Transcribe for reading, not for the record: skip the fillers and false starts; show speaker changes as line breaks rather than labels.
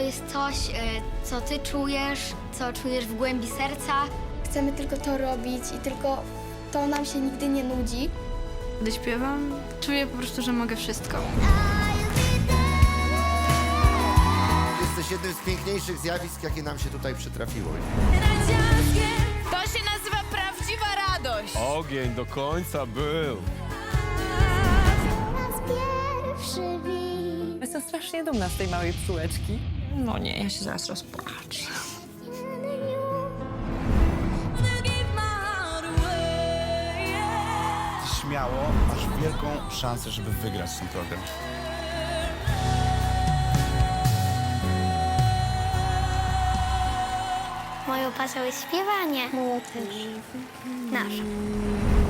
jest coś, co ty czujesz, co czujesz w głębi serca.
Chcemy tylko to robić i tylko to nam się nigdy nie nudzi.
Gdy śpiewam, czuję po prostu, że mogę wszystko.
Jesteś jednym z piękniejszych zjawisk, jakie nam się tutaj przytrafiło.
To się nazywa prawdziwa radość.
Ogień do końca był.
Jestem strasznie dumna z tej małej psułeczki.
No nie, ja się zaraz rozpłaczę.
Śmiało, masz wielką szansę, żeby wygrać ten program.
Moją pasją jest śpiewanie.
Moją też.
Nasza.